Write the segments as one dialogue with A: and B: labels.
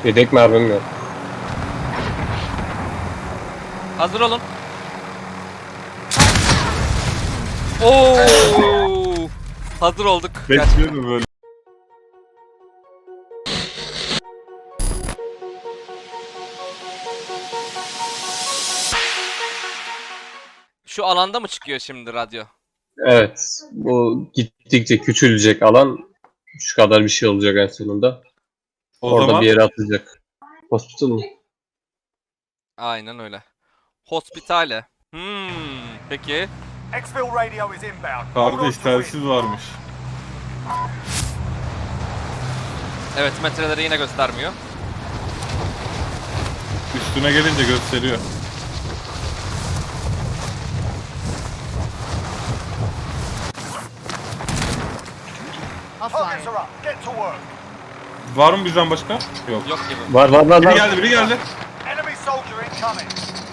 A: Yedek mermim yok.
B: Hazır olun. Oo! Hazır olduk.
C: Bekliyordum böyle.
B: Şu alanda mı çıkıyor şimdi radyo?
A: Evet. Bu gittikçe küçülecek alan. Şu kadar bir şey olacak en sonunda.
C: O
A: Orada
C: zaman
A: bir yere atacak. Hospital mı?
B: Aynen öyle. Hospitale. Peki.
D: Exfil radio is inbound.
C: kardeş telsiz varmış.
B: Evet, metreleri yine göstermiyor.
C: Üstüne gelince gösteriyor.
D: Targets are up. Get to work.
C: Var mı bizden başka? Yok.
B: Yok gibi.
A: Var.
C: Biri geldi, biri geldi.
D: Enemy soldier incoming.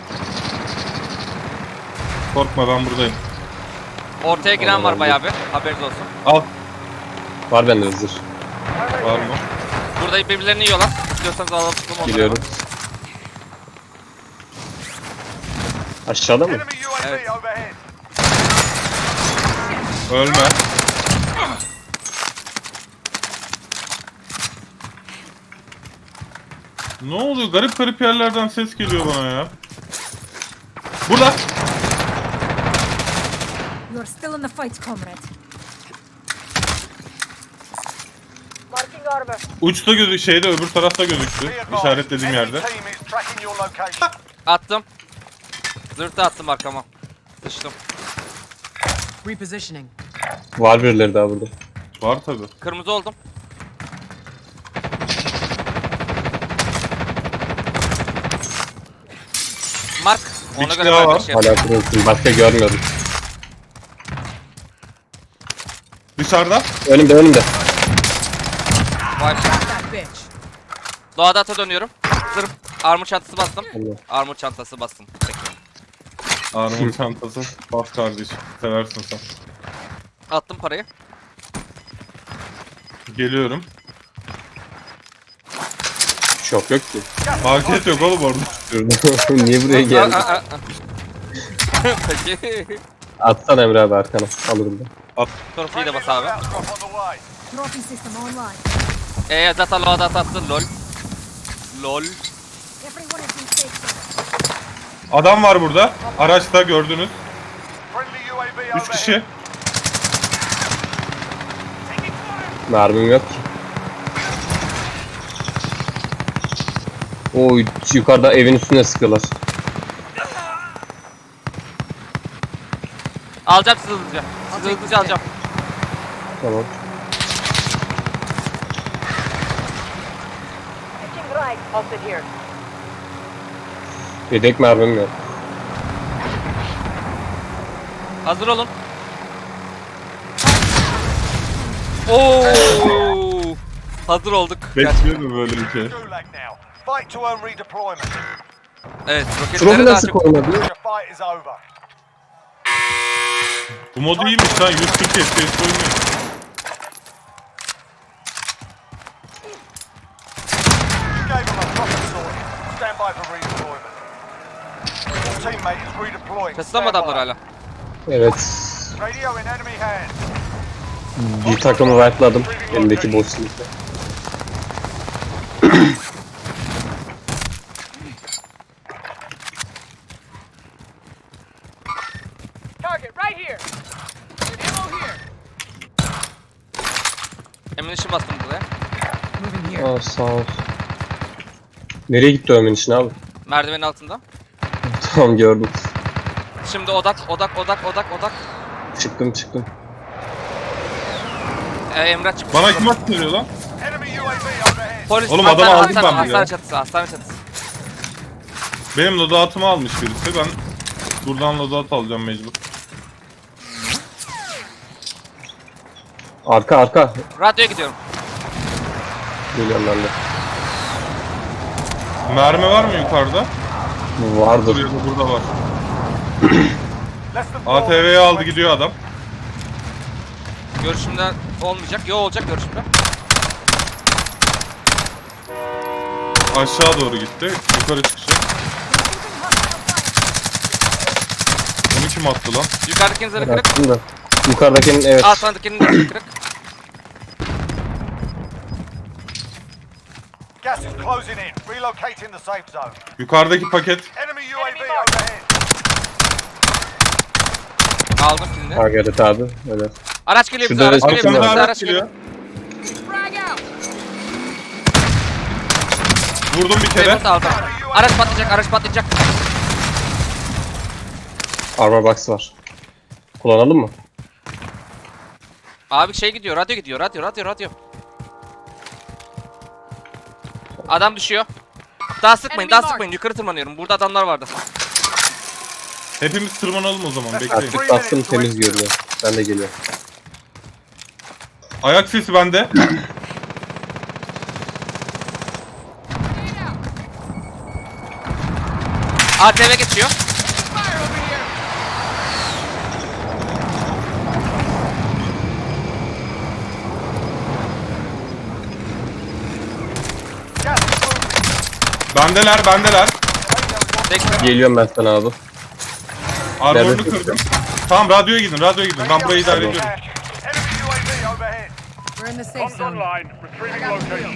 C: Korkma, ben buradayım.
B: Ortaya giren var bayağı bir. Haberiniz olsun.
C: Al.
A: Var bende hazır.
C: Var mı?
B: Burada birbirlerini yiyorlar. İstiyorsanız alalım onları.
A: Gidiyorum. Aşağıda mı?
D: Enemy UAV
B: Evet.
D: overhead.
C: Ölme. Ne oluyor? Garip garip yerlerden ses geliyor bana ya. Burada.
E: You're still in the fight, comrade. Marking armor.
C: Uçta şeyde, öbür tarafta gözüktü.
D: Be advised,
C: İşaretlediğim
D: enemy
C: yerde.
D: team is tracking your location.
B: Attım. Zırtı attım arkama. Sıçtım.
F: Repositioning.
A: Var birileri daha burada.
C: Var tabi.
B: Kırmızı oldum. Mark.
C: Bir
B: Ona
C: kişi
B: göre
C: daha
B: ben
C: var.
B: bir şey yapayım.
A: Hala kırılsın. Başka görmüyorum.
C: Dışarıda.
A: Önümde.
B: Vay.
F: That bitch.
B: Doğada ata dönüyorum. Zırh. Armor çantası bastım.
A: Allah.
B: Armor çantası bastım. Peki.
C: Armor çantası. Bas kardeşim. Seversin sen.
B: Attım parayı.
C: Geliyorum.
A: Şok yok ki.
C: Market yok oğlum orada.
A: Niye buraya geldin?
B: Peki.
A: Atsana Emre abi arkana. Alırım ben.
B: Torpiyi de
D: Friendly
B: bas abi.
D: loadout drop on the way.
E: Trophy system online.
B: Zaten loadout attın lol. Lol.
E: Everyone is in safe zone.
C: Adam var burada. Araçta gördünüz.
D: Friendly UAV
C: 3
D: overhead.
C: kişi.
A: Mermim yok ki. Oy yukarıda evin üstüne sıkıyorlar.
B: Alacağım sizi hızlıca. Sizi hızlıca alacağım.
A: Tamam.
E: Switching right. I'll sit here.
A: Yedek mermim yok.
B: Hazır olun. Oo! Hazır olduk.
C: Bekliyordum böyle bir şey.
D: Gulag now. Fight to earn redeployment.
B: Evet,
A: Trofi
B: roketleri daha
A: nasıl
B: çok...
A: korumadı?
D: Your fight is over.
C: Bu mod iyiymiş lan. 140 FPS oynuyor.
D: You gave them a proper sword. Stand by for redeployment. Your teammate is redeploying.
B: Çatıda mı
D: Stand
B: adamlar
D: by.
B: hala?
A: Evet.
D: Radio in enemy hands.
A: Bir takımı wipe'ladım. Elimdeki boşlukta.
F: Target right here. Ammo here.
B: Emin işi bastım buraya.
F: Moving here.
A: Aa sağ ol. Nereye gitti Ömer'in için abi?
B: Merdivenin altında.
A: Tamam gördüm.
B: Şimdi odak.
A: Çıktım.
B: Emrah çıkmış.
C: Bana kim atıyor lan?
D: Enemy UAV overhead.
B: Polis,
C: Oğlum adamı aldım ben
B: hastane
C: ya.
B: çatısı, hastane çatısı.
C: Benim loadout'umu almış birisi. Ben buradan loadout alacağım mecbur.
A: Arka.
B: Radyoya gidiyorum.
A: Geliyorum ben de.
C: Mermi var mı yukarıda?
A: Vardır.
C: Burada var.
D: Less than 4
C: ATV'yi aldı gidiyor adam.
B: Görüşümde olmayacak. Yo olacak görüşümde.
C: Aşağı doğru gitti. Yukarı çıkacak. Onu kim attı lan?
B: Yukarıdakinin zırhı kırık.
A: Baktım da. Yukarıdakinin evet.
B: Altındakinin de zırhı kırık.
D: Gas is closing in. Relocating the safe zone.
C: Yukarıdaki paket.
D: Enemy UAV overhead.
B: Aldım kilini.
A: Margaret abi. Öyle.
B: Araç geliyor bize,
A: Şurada
B: araç geliyor bize,
A: resim
C: Arkamda
A: var.
B: araç geliyor.
F: Frag out.
C: Vurdum bir kere.
B: Remote aldım. Araç patlayacak, araç patlayacak.
A: Armor box var. Kullanalım mı?
B: Abi şey gidiyor, radyo gidiyor, radyo. Adam düşüyor. Daha sıkmayın, daha sıkmayın. Yukarı tırmanıyorum. Burada adamlar vardı.
C: Hepimiz tırmanalım o zaman. Bekleyin.
A: Artık bastım temiz görünüyor. Ben de geliyorum.
C: Ayak sesi bende.
B: ATV geçiyor.
F: Fire over here.
D: Gas is moving.
C: Bendeler.
B: Bekle.
A: Geliyorum ben sana abi.
C: Armorunu
A: Nerede?
C: kırdım. Tamam radyoya gidin. Ben burayı idare ediyorum.
D: Enemy UAV overhead.
F: We're in the safe zone.
D: Retrieving location.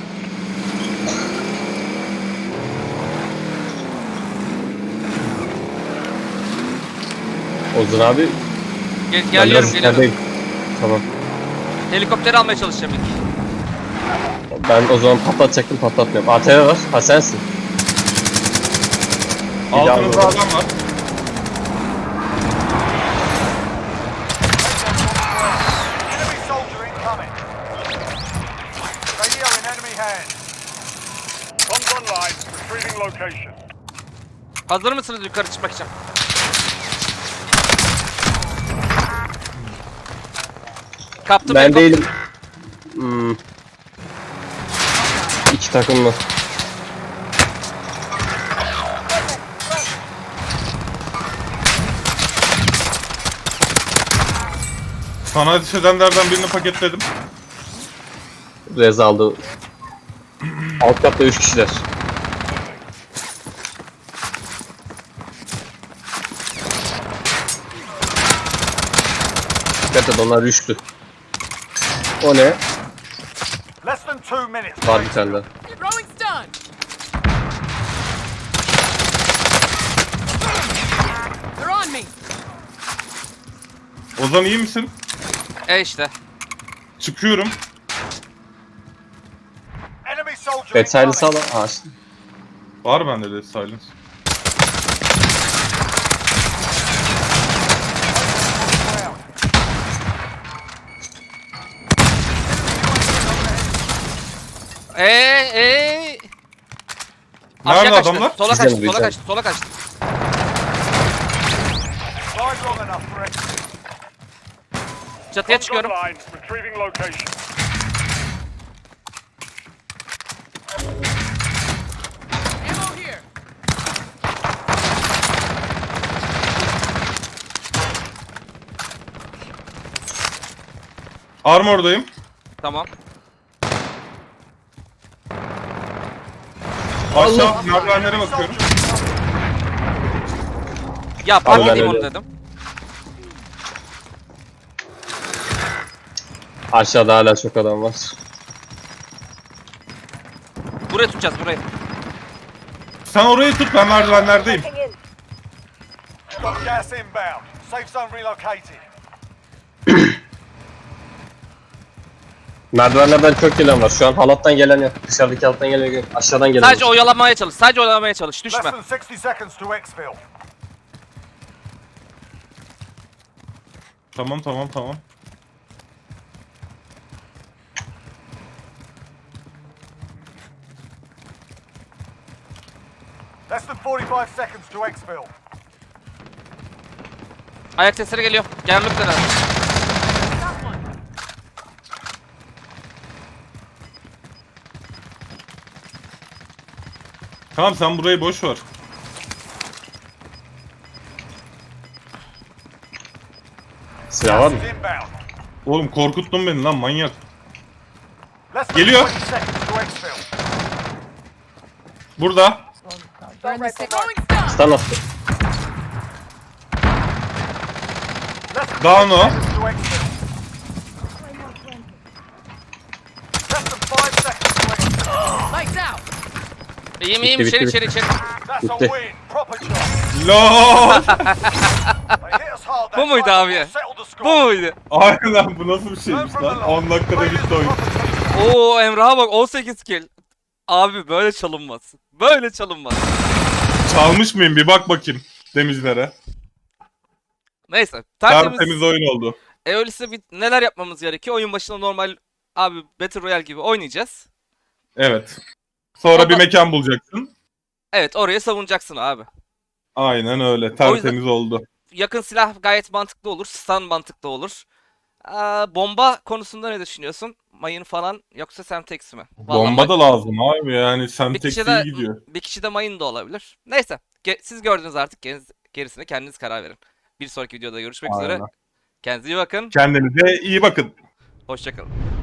A: Ozan abi. Ben biraz
B: Geliyorum.
A: içerideyim. Tamam.
B: Helikopteri almaya çalışacağım ilk.
A: Ben o zaman patlatacaktım, patlatmıyorum. ATV var. Ha sensin.
C: Altınızda adam var.
D: Enemy soldier incoming. Radio in enemy hands. Comms online. Retrieving location.
B: Hazır mısınız yukarı çıkmak için? Kaptım
A: Ben
B: helikopteri.
A: değilim. İki takımlı.
C: Sana ateş edenlerden birini paketledim.
A: Rez aldı. Alt katta 3 kişiler. Dikkat et onlar üçlü. O ne?
D: Less than 2 minutes.
A: Var bir tane daha.
F: Throwing stun. They're on me.
C: Ozan iyi misin?
B: İşte.
C: Çıkıyorum.
D: Enemy soldier
A: Bed silence
D: incoming.
A: al. Aa, işte.
C: Var bende de silence.
B: Aşağı
C: Nerede
B: kaçtı.
C: adamlar?
B: Sola
A: Bizden
B: kaçtı,
A: mi,
B: sola
A: bizden?
B: kaçtı, sola kaçtı.
D: Fly long enough for it.
B: Çatıya çıkıyorum.
D: Retrieving location.
F: Ammo here.
C: Armordayım.
B: Tamam.
C: Aşağı merdivenlere bakıyorum.
B: Ya
A: Abi
B: park
A: ben
B: edeyim onu
A: öyle.
B: dedim.
A: Aşağıda hala çok adam var.
B: Burayı tutacağız, burayı.
C: Sen orayı tut, ben merdivenlerdeyim.
E: Checking in.
D: Got gas inbound. Safe zone relocated.
A: Merdivenlerden çok gelen var. Şu an halattan gelen yok. Dışarıdaki halattan gelen yok. Aşağıdan gelen
B: Sadece
A: var.
B: oyalamaya çalış, sadece oyalamaya çalış.
D: Less
B: Düşme.
D: than 60 seconds to exfil.
C: Tamam.
D: Less than 45 seconds to exfil.
B: Ayak sesleri geliyor. Gelmek üzere.
F: Got one.
C: Tamam sen burayı boş ver.
A: Silah var mı?
D: Gas is inbound.
C: Oğlum korkuttun beni lan manyak.
D: Less than
C: Geliyor.
D: 20 seconds to exfil.
C: Burada.
F: We're in the safe. Throwing stun.
A: Stun attı.
D: Less than
C: Down
D: 10
C: o.
D: seconds to exfil. Less than 5 seconds to exfil.
F: Lights out.
B: İyiyim iyiyim
A: Bitti,
B: içeri
A: bitti,
B: içeri içeri.
D: That's a
A: Bitti.
D: win. Proper job.
C: LOL.
D: They hit us hard that
B: Bu muydu
D: time,
B: abi?
D: but settled the score.
B: Bu muydu?
C: Aynen bu nasıl bir
D: Learn
C: şeymiş
D: from the
C: lan?
D: loss.
C: 10 dakikada
D: Make it
C: bitti oyun.
D: proper team.
B: Oo Emrah'a bak 18 kill. Abi böyle çalınmaz. Böyle çalınmaz.
C: Çalmış mıyım bir bak bakayım temizlere.
B: Neyse. Tertemiz.
C: Tertemiz oyun oldu.
B: Öyleyse neler yapmamız gerekiyor? Oyun başında normal abi Battle Royale gibi oynayacağız.
C: Evet. Sonra
B: Ama-
C: bir mekan bulacaksın.
B: Evet oraya savunacaksın abi.
C: Aynen öyle. Tertemiz oldu.
B: Yakın silah gayet mantıklı olur. Stun mantıklı olur. Bomba konusunda ne düşünüyorsun? Mayın falan yoksa Semtex mi? Vallahi
C: Bomba da lazım abi yani
B: bir
C: Semtex
B: kişi
C: iyi
B: de
C: gidiyor.
B: bir kişi de mayın da olabilir. Neyse. Siz gördünüz artık. Gerisine kendiniz karar verin. Bir sonraki videoda görüşmek üzere.
C: Aynen.
B: Kendinize iyi bakın.
C: Kendinize iyi bakın.
B: Hoşçakalın.